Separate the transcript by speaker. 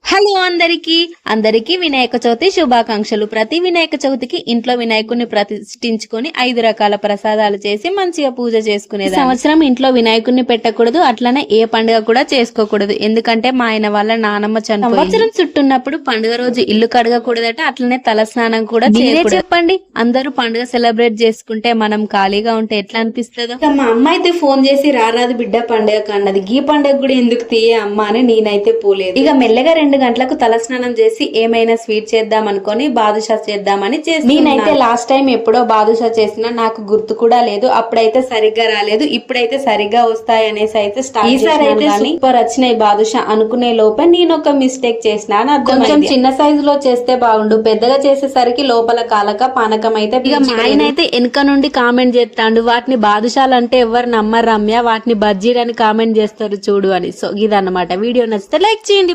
Speaker 1: Hello అందరికీ వినాయక చవితి శుభాకాంక్షలు. ప్రతి వినాయక చవితికి ఇంట్లో వినాయకుడిని ప్రతిష్ఠించుకొని 5 రకాల ప్రసాదాలు చేసి మంచిగా పూజ చేసుకునేది. సంవత్సరం ఇంట్లో వినాయకుడిని పెట్టకూడదు, అట్లనే ఏ పండుగ కూడా చేసుకోకూడదు. ఎందుకంటే మా ఆయన వాళ్ళ నానమ్మ చనిపోయింది. సంవత్సరం చుట్టున్నప్పుడు పండుగ రోజు ఇల్లు కడగకూడదట, అట్లనే తల స్నానం కూడా చేయకూడదు. చెప్పండి, అందరూ పండుగ సెలబ్రేట్ చేసుకుంటే మనం ఖాళీగా ఉంటే ఎట్లా అనిపిస్తుందో. మా అమ్మ అయితే ఫోన్ చేసి రారాదు బిడ్డ పండుగ అన్నది. ఈ పండుగ కూడా ఎందుకు తీయే అమ్మ అని నేనైతే పోలేదు. ఇక మెల్లగా 2 గంటలకు తలస్నానం చేసి ఏమైనా స్వీట్ చేద్దాం అనుకొని బాదుషా చేద్దామని చేసి, నేనైతే లాస్ట్ టైం ఎప్పుడో బాదుషా చేసినా నాకు గుర్తు కూడా లేదు. అప్పుడైతే సరిగ్గా రాలేదు, ఇప్పుడైతే సరిగ్గా వస్తాయి అనేసి అయితే ఈసారి అయితే సూపర్ వచ్చినాయి బాదుషా అనుకునే లోపే నేను ఒక మిస్టేక్ చేసిన. కొంచెం చిన్న సైజు లో చేస్తే బాగుండు, పెద్దగా చేసేసరికి లోపల కాలక పానకం అయితే. ఇక మా ఆయన అయితే వెనక నుండి కామెంట్ చేస్తాడు, వాటిని బాదుషాలు అంటే ఎవరు నమ్మరు రమ్య, వాటిని బజ్జీలని కామెంట్ చేస్తారు చూడు అని. సో ఇదన్నమాట. వీడియో నచ్చితే లైక్ చేయండి.